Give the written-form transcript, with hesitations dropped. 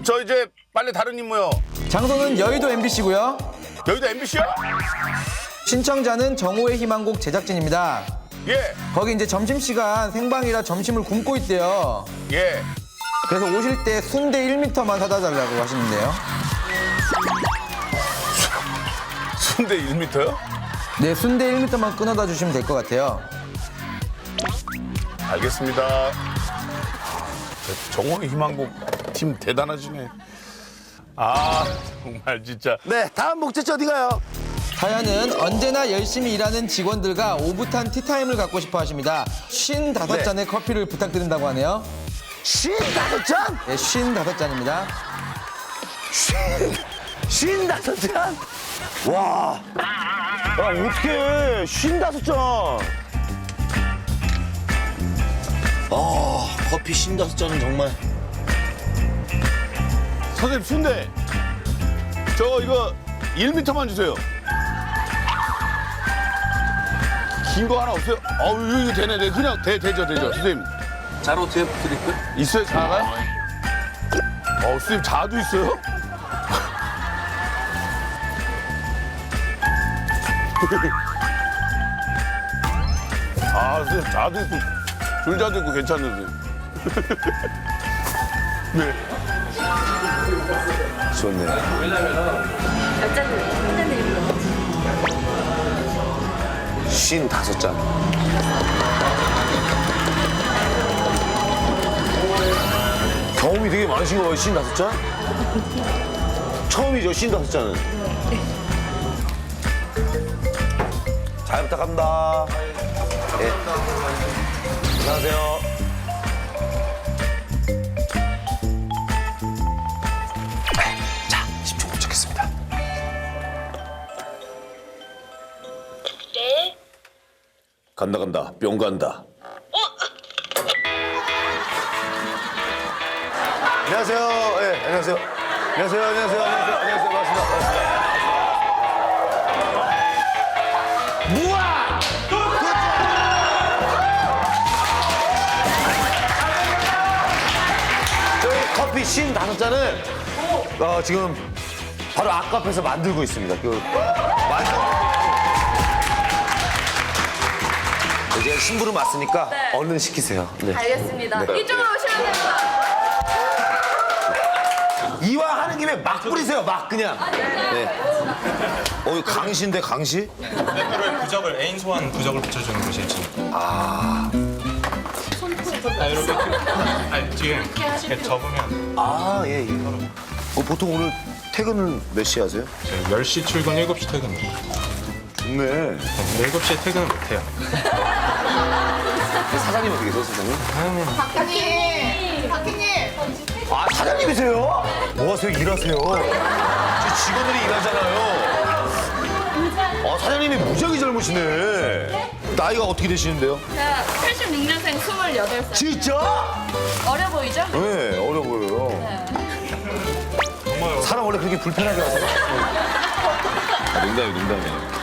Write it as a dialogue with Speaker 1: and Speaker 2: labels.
Speaker 1: 저 이제 빨리 다른 임무요.
Speaker 2: 장소는 여의도 MBC고요.
Speaker 1: 여기도 MBC야?
Speaker 2: 신청자는 정오의 희망곡 제작진입니다.
Speaker 1: 예,
Speaker 2: 거기 이제 점심시간 생방이라 점심을 굶고 있대요.
Speaker 1: 예.
Speaker 2: 그래서 오실 때 순대 1m만 사다 달라고 하시는데요.
Speaker 1: 순대 1m요?
Speaker 2: 네, 순대 1m만 끊어다 주시면 될 것 같아요.
Speaker 1: 알겠습니다. 정호의 희망곡 팀 대단하시네. 아, 정말 진짜.
Speaker 3: 네, 다음 목적지 어디 가요?
Speaker 2: 사연은 언제나 열심히 일하는 직원들과 오붓한 티타임을 갖고 싶어 하십니다. 55잔의 커피를 부탁드린다고 하네요.
Speaker 3: 55잔?
Speaker 2: 네, 55잔입니다.
Speaker 3: 55잔? 와. 야, 어떡해. 55잔. 커피 55잔은 정말.
Speaker 1: 선생님, 순대. 저거 이거 1m만 주세요. 긴 거 하나 없어요? 어우, 이거 되네. 네, 그냥 되죠. 선생님.
Speaker 4: 잘 어떻게 드릴까요?
Speaker 1: 있어요, 자가? 선생님, 자도 있어요? 선생님, 자도 있고, 줄자도 있고 괜찮은데. 네.
Speaker 3: 좋네.
Speaker 5: 몇잔 드릴까요?
Speaker 3: 55잔. 경험이 되게 많으신 거예요, 55잔? 처음이죠, 55잔은. 잘 부탁합니다. 네. 안녕하세요. 자, 10초 도착했습니다.
Speaker 5: 네.
Speaker 3: 간다. 뿅 간다. 안녕하세요. 예, 안녕하세요. 안녕하세요. 반갑습니다. 무아! 저희 커피 55잔을 지금 바로 앞카페에서 만들고 있습니다. 이제 심부름 왔으니까
Speaker 5: 네.
Speaker 3: 얼른 시키세요. 네.
Speaker 5: 알겠습니다.
Speaker 3: 네.
Speaker 5: 이쪽으로 오시면 됩니다.
Speaker 3: 이왕 하는 김에 막 뿌리세요, 막 그냥. 네. 강시인데, 강시?
Speaker 6: 대표로의 부적을 애인 소환 부적을 붙여주는 곳이 일진. 이렇게 뒤에 이렇게 접으면
Speaker 3: 아, 예. 보통 오늘 퇴근은 몇 시에 하세요?
Speaker 6: 저희 10시 출근, 7시 퇴근.
Speaker 3: 좋네.
Speaker 6: 7시에 퇴근은 못해요.
Speaker 3: 사장님 어떻게 계세요, 사장님?
Speaker 5: 박희님.
Speaker 3: 아, 사장님이세요? 뭐 하세요? 일하세요. 저 직원들이 일하잖아요. 사장님이 무지하게 젊으시네. 나이가 어떻게 되시는데요?
Speaker 5: 제가 86년생 28살.
Speaker 3: 진짜?
Speaker 5: 어려 보이죠?
Speaker 3: 네, 어려 보여요. 사람 원래 그렇게 불편하게 하세요? 농담이에요.